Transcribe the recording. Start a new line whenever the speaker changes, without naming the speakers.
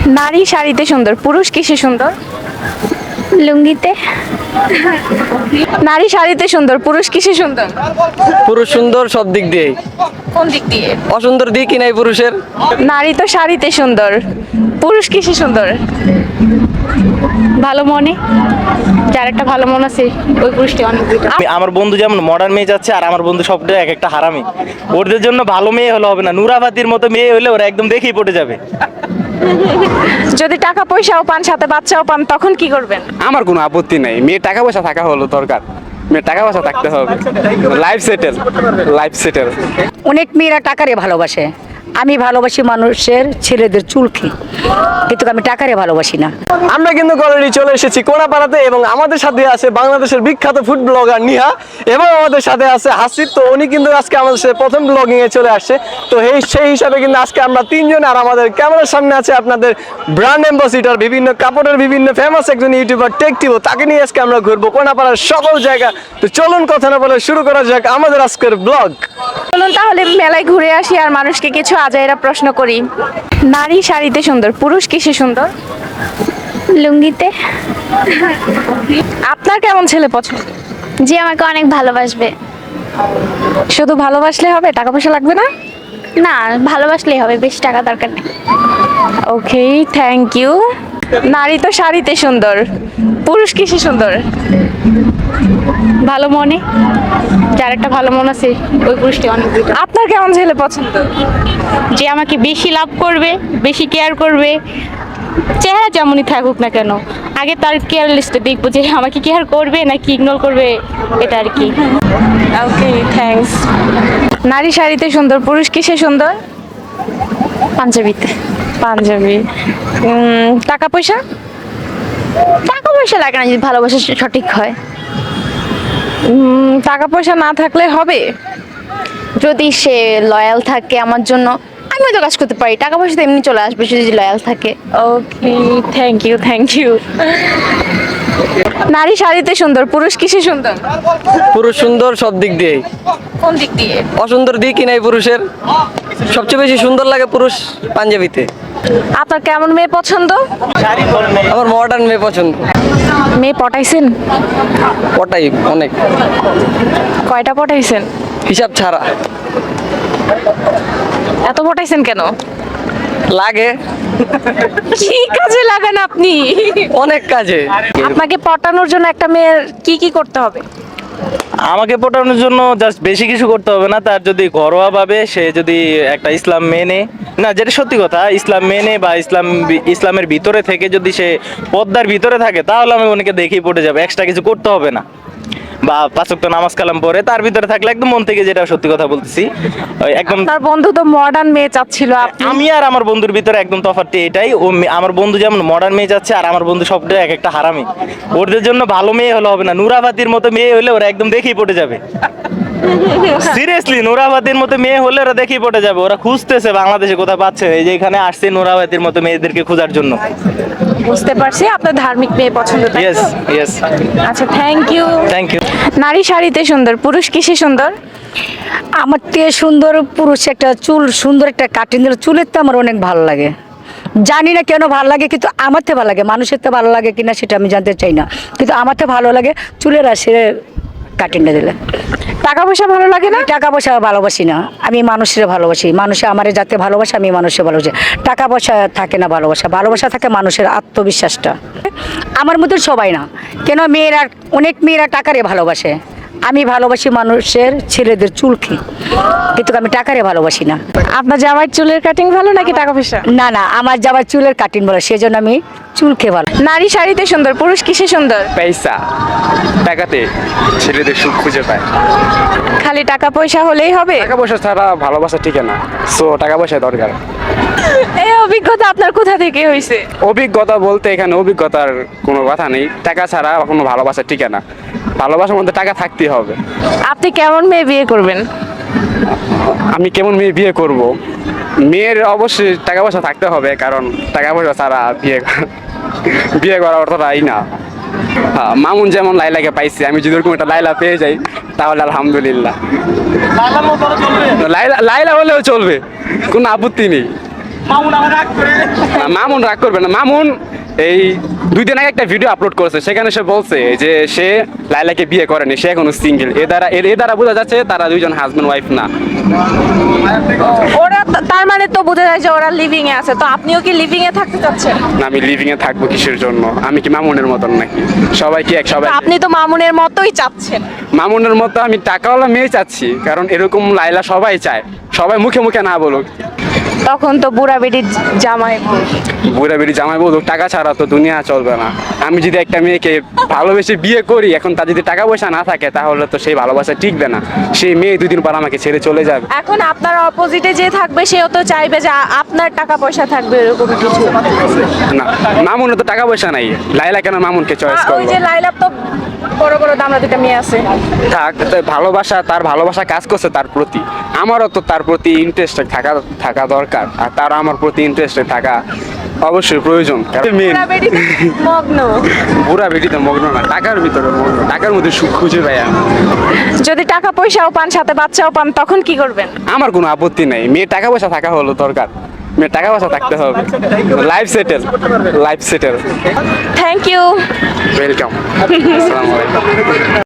নারী শাড়িতে সুন্দর, পুরুষ কিসে সুন্দর?
লুঙ্গিতে।
নারী শাড়িতে সুন্দর, পুরুষ কিসে সুন্দর?
পুরুষ সুন্দর সব দিক দিয়েই।
কোন দিক দিয়ে?
অসুন্দর দিক কি নাই পুরুষের?
নারী তো শাড়িতে সুন্দর, পুরুষ কিসে সুন্দর?
ভালো মনে, যার একটা ভালো মন আছে ওই পুরুষটি অনেক বেটার।
আমার বন্ধু যেমন মডার্ন মেয়ে যাচ্ছে, আর আমার বন্ধু সবটাই এক একটা হারামি। ওদের জন্য ভালো মেয়ে হলে হবে না, নুরাবাতির মতো মেয়ে হলে ওরা একদম দেখেই পড়ে যাবে।
যদি টাকা পয়সাও পান, সাথে বাচ্চাও পান, তখন কি করবেন?
আমার কোনো আপত্তি নেই, মেয়ের টাকা পয়সা থাকা হলো দরকার, মেয়ের টাকা পয়সা থাকতে হবে, লাইফ সেটেল, লাইফ সেটেল।
অনেক মেয়েরা টাকারে ভালোবাসে, আমি ভালোবাসি মানুষের ছেলেদের চুলকে, কিন্তু আমি টাকারে ভালোবাসি না।
আমরা কিন্তু অলরেডি চলে এসেছি কোনাপাড়াতে এবং আমাদের সাথে আছে বাংলাদেশের বিখ্যাত ফুড ব্লগার নিহা এবং আমাদের সাথে আছে হাসিব। তো উনি কিন্তু আজকে আমাদের সাথে প্রথম ব্লগিং এ চলে আসছে। তো সেই হিসাবে কিন্তু আজকে আমরা তিনজন, আর আমাদের ক্যামেরার সামনে আছে আপনাদের ব্র্যান্ড অ্যাম্বাসিডর, বিভিন্ন কাপড়ের বিভিন্ন ফেমাস একজন ইউটিউবার টেক টিভো, তাকে নিয়ে আজকে আমরা ঘুরবো কোনাপাড়ার সকল জায়গা। তো চলুন কথা না বলে শুরু করা যাক আমাদের আজকের ব্লগ।
চলুন তাহলে মেলায় ঘুরে আসি আর মানুষকে কিছু আজাইরা প্রশ্ন করি। নারী শাড়িতে সুন্দর, পুরুষ কিসে সুন্দর?
লুঙ্গিতে।
আপনার কেমন ছেলে পছন্দ?
যে আমাকে অনেক ভালোবাসবে।
শুধু ভালোবাসলে হবে, টাকা পয়সা লাগবে না?
না, ভালোবাসলেই হবে, বেশি টাকা দরকার নেই।
Okay, thank you. নারী তো শাড়িতে সুন্দর, পুরুষ কিসে সুন্দর?
ভালো মনে, যার একটা ভালো মন আছে ওই পুরুষটি অনেক বেটার।
আপনার কেমন ছেলে পছন্দ?
যে আমাকে বেশি লাভ করবে, বেশি কেয়ার করবে, চেহারা যেমনই থাকুক না কেন, আগে তার কেয়ার লিস্টে দেখবো যে আমাকে কেয়ার করবে নাকি ইগনোর করবে, এটা আর কি।
Okay, thanks. নারী শাড়িতে সুন্দর, পুরুষ কিসে সুন্দর?
পাঞ্জাবিতে।
পাঞ্জাবি। টাকা পয়সা?
টাকা পয়সা লাগে না যদি ভালোবাসা সঠিক হয়।
টাকা পয়সা না থাকলে হবে?
যদি সে লয়াল থাকে আমার জন্য, আমি তো কাজ করতে পারি, টাকা পয়সা তো এমনি চলে আসবে সে যদি লয়াল থাকে।
Okay, thank you, thank you. নারী শাড়িতে সুন্দর, পুরুষ কিসে সুন্দর?
পুরুষ সুন্দর সব দিক দিয়েই।
কোন দিক দিয়ে?
অসুন্দর দিক কি নাই পুরুষের? সবচেয়ে বেশি সুন্দর লাগে পুরুষ পাঞ্জাবিতে।
আপনার কেমন মেয়ে পছন্দ?
আমার মডার্ন মেয়ে পছন্দ।
মেয়ে পটাইছেন?
ওটাই অনেক,
কয়টা পটাইছেন?
হিসাব ছাড়া।
এত পটাইছেন কেন?
লাগে
কি কাজে লাগান আপনি?
অনেক কাজে।
আপনাকে পটানোর জন্য একটা মেয়ের কি কি করতে হবে?
আমাকে পটানোর জন্য জাস্ট বেশি কিছু করতে হবে না, তার যদি ঘরোয়া ভাবে সে যদি একটা ইসলাম মেনে, না যেটা সত্যি কথা, ইসলাম মেনে বা ইসলামের ভিতরে থেকে যদি সে পর্দার ভিতরে থাকে, তাহলে আমি ওনাকে দেখেই পড়ে যাবে, এক্সট্রা কিছু করতে হবে না। বা 5 ওয়াক্ত নামাজ কালাম পড়ে তার ভিতরে থাকলে একদম মন থেকে, যেটা সত্যি কথা বলতেছি, ওই একদম।
আপনার বন্ধু তো মডার্ন মেয়ে চাচ্ছিল,
আমি আর আমার বন্ধুর ভিতরে একদম তফাৎটি এটাই, আমার বন্ধু যেমন মডার্ন মেয়ে যাচ্ছে, আর আমার বন্ধু সবটাই এক একটা হারামি। ওদের জন্য ভালো মেয়ে হলে হবে না, নুরাবাতির মতো মেয়ে হলে ওরা একদম দেখেই পড়ে যাবে। সিরিয়াসলি, নুরাবাতির মতো মেয়ে হলে ওরা দেখেই পড়ে যাবে। ওরা খুঁজতেছে বাংলাদেশে কোথায় পাচ্ছে, এই যে এখানে আসছে নুরাবাতির মতো মেয়েদেরকে খোঁজার জন্য।
বুঝতে পারছি আপনার ধার্মিক মেয়ে পছন্দ, তাই তো?
ইয়েস ইয়েস,
আচ্ছা, থ্যাংক ইউ।
Thank you.
নারী শাড়িতে সুন্দর, পুরুষ কিসে সুন্দর?
আমার থেকে সুন্দর পুরুষ একটা চুল, সুন্দর একটা কাটিং দিলে চুলের তো আমার অনেক ভালো লাগে। জানি না কেন ভালো লাগে, কিন্তু আমার তো ভালো লাগে, মানুষের তো ভালো লাগে কিনা সেটা আমি জানতে চাই না, কিন্তু আমার তো ভালো লাগে চুলের আসে কাটিংটা দিলে।
টাকা পয়সা ভালো লাগে না?
টাকা পয়সা ভালোবাসি না, আমি মানুষের ভালোবাসি, মানুষে আমারে যাতে ভালোবাসে আমি মানুষের ভালোবাসি। টাকা পয়সা থাকে না ভালোবাসা, ভালোবাসা থাকে মানুষের আত্মবিশ্বাসটা। আমার মতন সবাই না, কেন মেয়েরা, অনেক মেয়েরা টাকারে ভালোবাসে, আমি ভালোবাসি মানুষের ছেলেদের চুলকে, কিন্তু আমি টাকারে ভালোবাসি না।
আপনার জামাইয়ের চুলের কাটিং ভালো নাকি টাকা পয়সা?
না না, আমার যাবার চুলের কাটিং ভালো, সেজন্য আমি চুলকে ভালো।
নারী শাড়িতে সুন্দর, পুরুষ কিসে সুন্দর?
পয়সা, টাকাতে ছেলেদের সুখ খুঁজে পায়।
খালি টাকা পয়সা হলেই হবে?
টাকা পয়সা ছাড়া ভালোবাসা টিকে না, সো টাকা পয়সা দরকার।
এই অভিজ্ঞতা আপনার কোথা থেকে হয়েছে?
অভিজ্ঞতা বলতে এখানে অভিজ্ঞতার কোনো কথা নেই, টাকা ছাড়া কোনো ভালোবাসা টিকে না, ভালোবাসার মধ্যে টাকা থাকতেই হবে।
আপনি কেমন মেয়ে বিয়ে করবেন?
আমি কেমন মেয়ে বিয়ে করব? মেয়ের অবশ্যই টাকা পয়সা থাকতে হবে, কারণ টাকা পয়সা ছাড়া বিয়ে করা অর্থটাই না। হ্যাঁ, মামুন যেমন লাইলাকে পাইছি, আমি যদি ওরকম একটা লাইলা পেয়ে যাই তাহলে আলহামদুলিল্লাহ। লাইলা হলেও চলবে, কোনো আপত্তি নেই। মামুন রাগ করবে না। মামুন এই 2 দিন আগে একটা ভিডিও আপলোড করেছে, সেখানে সে বলছে যে সে লাইলাকে বিয়ে করেনি, সে এখনো সিঙ্গেল। এ দ্বারা বোঝা যাচ্ছে তারা দুইজন হাজবেন্ড ওয়াইফ না।
ওরা তার মানে তো বোঝা যায় যে ওরা লিভিং এ আছে, তো আপনিও কি লিভিং এ থাকতে চাচ্ছেন?
না, আমি লিভিং এ থাকবো কিসের জন্য? আমি কি মামুনের মতন নাকি? সবাই কি এক? সবাই
আপনি তো মামুনের মতোই চাচ্ছেন।
মামুনের মতো আমি টাকাওয়ালা মেয়ে চাচ্ছি, কারণ এরকম লাইলা সবাই চায়, সবাই মুখে মুখে না বলুক।
তখন তো বুড়া বেটির জামাই বউ।
বুড়া বেড়ি জামাই বলুক, টাকা ছাড়া তো দুনিয়া চলবে না। আমি যদি একটা মেয়েকে ভালোবেসে বিয়ে করি, এখন তার যদি টাকা পয়সা না থাকে, তাহলে তো সেই ভালোবাসা টিকবে না। সেই মেয়ে 2 দিন পর আমাকে ছেড়ে চলে যাবে।
এখন আপনার অপোজিটে যে থাকবে সেও তো চাইবে যে আপনার টাকা পয়সা থাকবে এরকম কিছু।
না, মামুনের তো টাকা পয়সা নাই, লাইলা কেন মামুনকে চয়েস
ওই
করলো?
যে লাইলা তো বড় বড় দামড়া দুটা মেয়ে আছে।
থাক, তাই ভালোবাসা, তার ভালোবাসা কাজ করছে তার প্রতি। আমারও তো তার প্রতি ইন্টারেস্টেড থাকা দরকার, আর তার আমার প্রতি ইন্টারেস্টেড থাকা অবশ্যই প্রয়োজন। কারণ মেয়ে
বুড়া বেটি মগ্ন।
বুড়া বেটিতে মগ্ন না, টাকার ভিতরে মগ্ন, টাকার মধ্যে সুখ খুঁজে পাই আমি।
যদি টাকা পয়সাও পান সাথে বাচ্চাও পান তখন কি করবেন?
আমার কোনো আপত্তি নাই, মেয়ের টাকা পয়সা থাকা হলো দরকার, মেয়ের টাকা পয়সা থাকতে হবে। Life settle.
Thank you.
Welcome. আসসালামু আলাইকুম।